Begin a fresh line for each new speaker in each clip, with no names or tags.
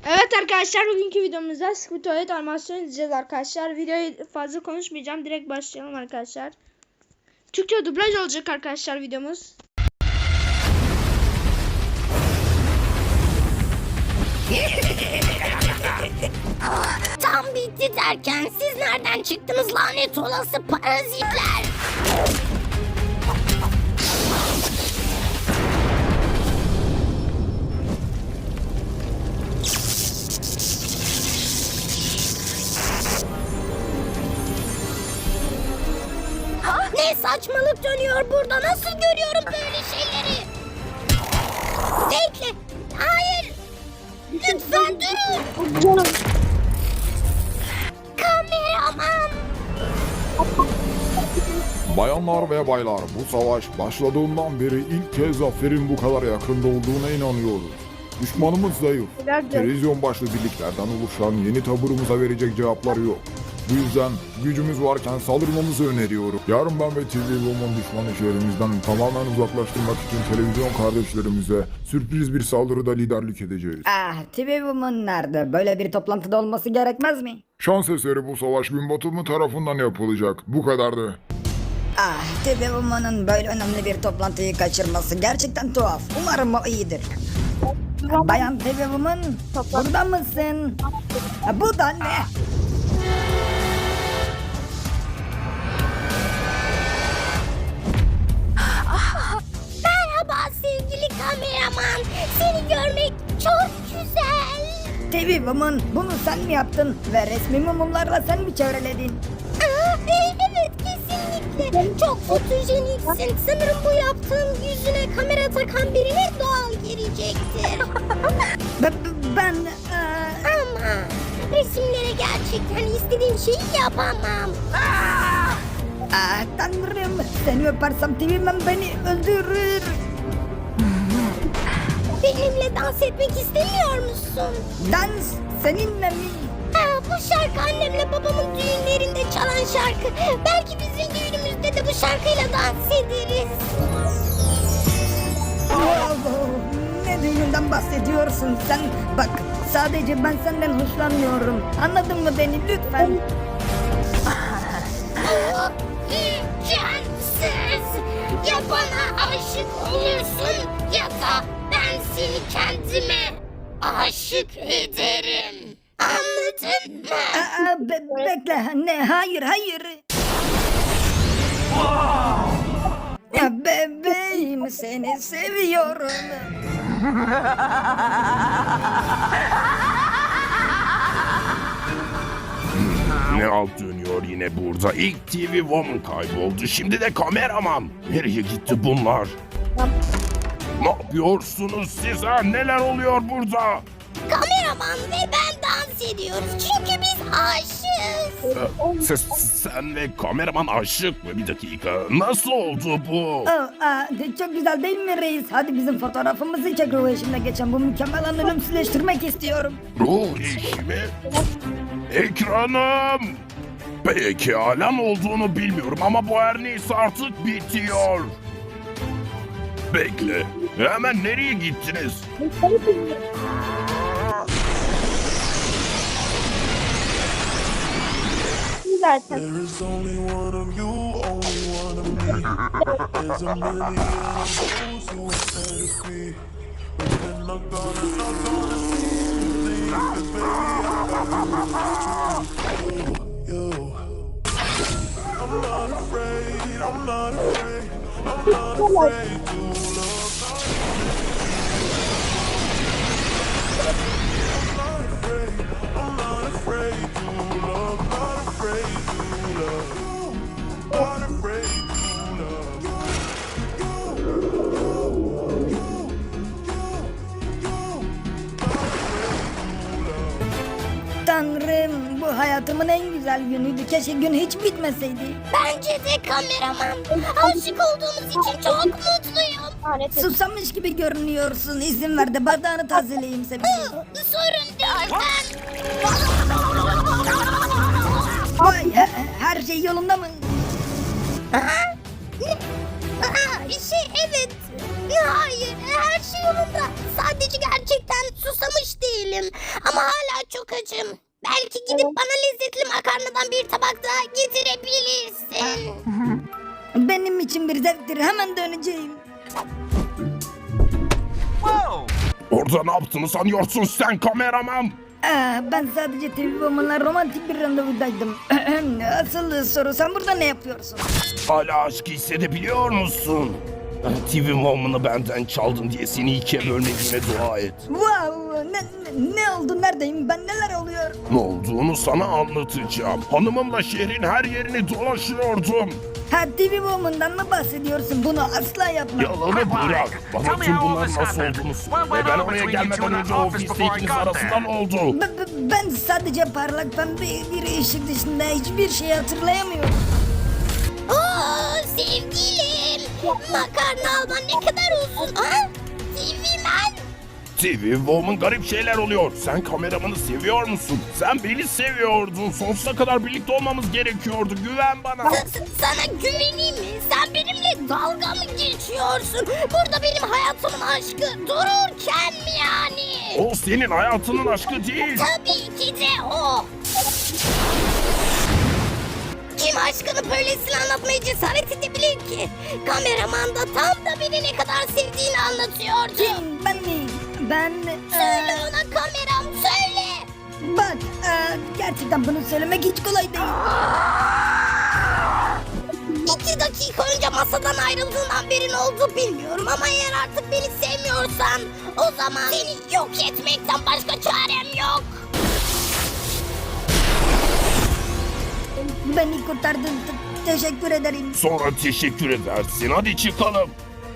Evet arkadaşlar, bugünkü videomuzda Squid Tuvalet animasyon izleyeceğiz arkadaşlar. Videoyu fazla konuşmayacağım. Direkt başlayalım arkadaşlar. Türkçe dublaj olacak arkadaşlar videomuz.
Tam bitti derken siz nereden çıktınız lanet olası parazitler? Ne saçmalık dönüyor burada? Nasıl görüyorum böyle şeyleri? Bekle. Hayır. Lütfen durun. Kameraman.
Bayanlar ve baylar, bu savaş başladığından beri ilk kez zaferin bu kadar yakında olduğuna inanıyoruz. Düşmanımız zayıf. Televizyon başlı birliklerden oluşan yeni taburumuza verecek cevapları yok. Bu yüzden gücümüz varken saldırmamızı öneriyorum. Yarın ben ve TV Woman düşmanı şehrimizden tamamen uzaklaştırmak için televizyon kardeşlerimize sürpriz bir saldırıda liderlik edeceğiz.
TV Woman nerede? Böyle bir toplantıda olması gerekmez mi?
Şans eseri bu savaş gün batımı tarafından yapılacak. Bu kadardı.
TV Woman'ın böyle önemli bir toplantıyı kaçırması gerçekten tuhaf. Umarım o iyidir. Bayan TV Woman, burada mısın? Bu da ne?
Merhaba sevgili kameraman. Seni görmek çok güzel.
TV Woman, bunu sen mi yaptın? Ve resmi mumlarla sen mi çevreledin?
Evet kesinlikle. Çok fotojeniksin. Sanırım bu yaptığın yüzüne kamera takan birine doğal gelecektir.
Ben...
Ama resimlere gerçekten istediğim şeyi yapamam.
Tanrım, seni öpersem TV Woman beni öldürür.
Benimle dans etmek istemiyor musun?
Dans seninle mi?
Bu şarkı annemle babamın düğünlerinde çalan şarkı. Belki bizim düğünümüzde de bu şarkıyla dans ederiz.
Ne düğününden bahsediyorsun sen? Bak, sadece ben senden hoşlanmıyorum. Anladın mı beni lütfen?
İmkansız. Ya bana aşık olursun ya da ben seni kendime aşık ederim. Anladın mı?
Bekle, ne? Hayır. Bebeğim, seni seviyorum.
Ne alt dönüyor yine burada? İlk TV Woman kayboldu. Şimdi de kameraman. Nereye gitti bunlar? Ne yapıyorsunuz siz ha? Neler oluyor burada?
Kameraman ve ben dans ediyoruz çünkü biz aşığız.
Sen ve kameraman aşık mı? Bir dakika. Nasıl oldu bu?
Çok güzel değil mi reis? Hadi bizim fotoğrafımızı çek, ruh eşimle geçen bu mükemmel anı ölümsüzleştirmek istiyorum.
Ruh eşi mi? Ekranım! Peki hala olduğunu bilmiyorum ama bu her neyse artık bitiyor. Bekle. Hemen nereye gittiniz?
There is only one of you, only one of me. There's a million of those who are fantasy. But they're not gonna see me. 'Cause baby, I got you. I'm not afraid to love. I'm not afraid to love. Not afraid to love. Not afraid to love.
Tanrım, bu hayatımın en güzel günüydü. Keşke gün hiç bitmeseydi.
Bence de kameraman. Aşık olduğumuz için çok mutluyum.
Susamış gibi görünüyorsun. İzin ver de bardağını tazeleyeyim seni.
Sorun değil
Vay, her şey yolunda mı?
Evet. Hayır, her şey yolunda. Sadece gerçekten susamış değilim. değilim. Ama hala çok açım. Belki gidip bana lezzetli makarnadan bir tabak daha getirebilirsin.
Benim için bir zevktir. Hemen döneceğim.
Orada ne yaptığını sanıyorsun sen kameraman?
Ben sadece TV Woman'la romantik bir randevudaydım. Asıl soru, sen burada ne yapıyorsun?
Hala aşkı hissedebiliyor musun? TV Woman'ı benden çaldın diye seni ikiye bölmediğine dua et.
Wow, ne oldu, neredeyim ben, neler oluyor?
Ne olduğunu sana anlatacağım. Hanımımla şehrin her yerini dolaşıyordum.
Ha, TV Woman'dan mı bahsediyorsun? Bunu asla yapma.
Yalanı bırak. Bana tüm bunların nasıl olduğunu söyle. Ve ben oraya gelmeden önce ofiste ikiniz arasında ne oldu?
Ben sadece parlak pembe bir ışık dışında hiçbir şey hatırlayamıyorum.
Sevgilim. Makarna alman ne kadar uzun ha? TV Man.
TV Woman garip şeyler oluyor. Sen kameramanı seviyor musun? Sen beni seviyordun. Sonsuza kadar birlikte olmamız gerekiyordu. Güven bana.
Sana güveneyim mi? Sen benimle dalga mı geçiyorsun? Burada benim hayatımın aşkı dururken mi yani?
O senin hayatının aşkı değil.
Tabii ki de o. Kim aşkını böylesine anlatmaya cesaret edebilir ki? Kameraman da tam da beni ne kadar sevdiğini anlatıyordu.
Kim? Ben mi? Ben...
Söyle ona kameram, söyle.
Bak, gerçekten bunu söylemek hiç kolay değil.
2 dakika önce masadan ayrıldığından beri ne oldu bilmiyorum ama eğer artık beni sevmiyorsan o zaman seni yok etmekten başka çarem yok.
Beni kurtardın. Teşekkür ederim.
Sonra teşekkür edersin. Hadi çıkalım.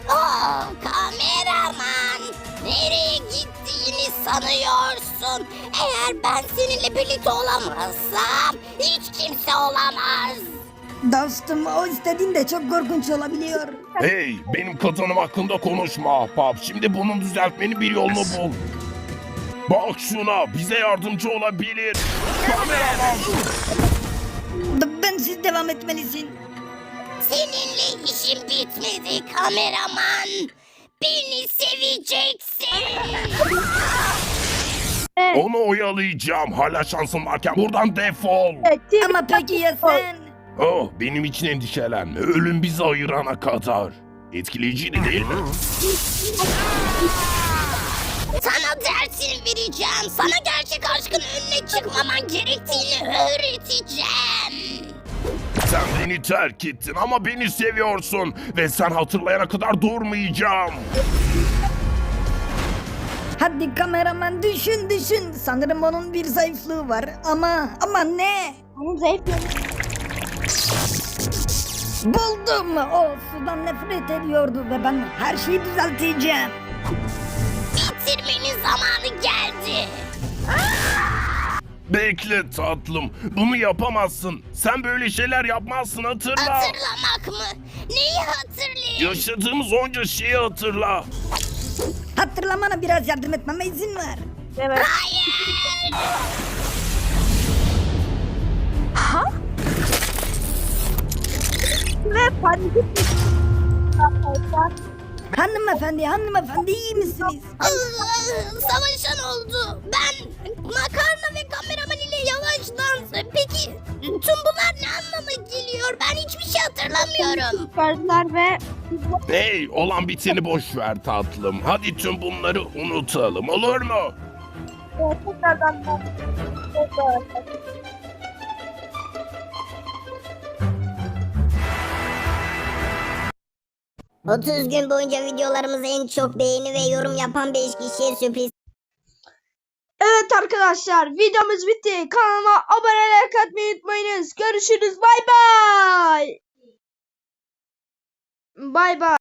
Kameraman, nereye gittiğini sanıyorsun? Eğer ben seninle birlikte olamazsam hiç kimse olamaz.
Dostum, o istediğin de çok korkunç olabiliyor.
Hey, benim kadınım hakkında konuşma ahbap. Şimdi bunu düzeltmenin bir yolunu bul. Bak şuna, bize yardımcı olabilir. Kameraman.
Bensiz devam etmelisin.
Seninle işim bitmedi kameraman. Beni seveceksin.
Onu oyalayacağım. Hala şansım varken buradan defol.
Ama peki ya sen?
Oh, benim için endişelenme. Ölüm bizi ayırana kadar. Etkileyiciydi değil mi?
Sana dersini vereceğim. Sana gerçek aşkın önüne çıkmaman gerektiğini öğreteceğim.
Sen beni terk ettin ama beni seviyorsun. Ve sen hatırlayana kadar durmayacağım.
Hadi kameraman, düşün. Sanırım onun bir zayıflığı var. Ama ne?
Onun zayıf yanı.
Buldum. O sudan nefret ediyordu ve ben her şeyi düzelteceğim.
Bitirmenin zamanı geldi.
Bekle tatlım. Bunu yapamazsın. Sen böyle şeyler yapmazsın, hatırla.
Hatırlamak mı? Neyi hatırlayayım?
Yaşadığımız onca şeyi hatırla.
Hatırlamana biraz yardım etmeme izin ver.
Evet.
Hayır.
Ve panik
Hanımefendi iyi misiniz?
Savaşan oldu. Ben makarna ve kameraman ile yavaş dans. Peki tüm bunlar ne anlama geliyor? Ben hiçbir şey hatırlamıyorum.
çıkardılar ve
Hey, olan biteni boş ver tatlım. Hadi tüm bunları unutalım, olur mu?
tekrardan
30 gün boyunca videolarımıza en çok beğeni ve yorum yapan 5 kişiye sürpriz.
Evet arkadaşlar, videomuz bitti. Kanalıma abone olmayı unutmayınız. Görüşürüz. Bay bay. Bay bay.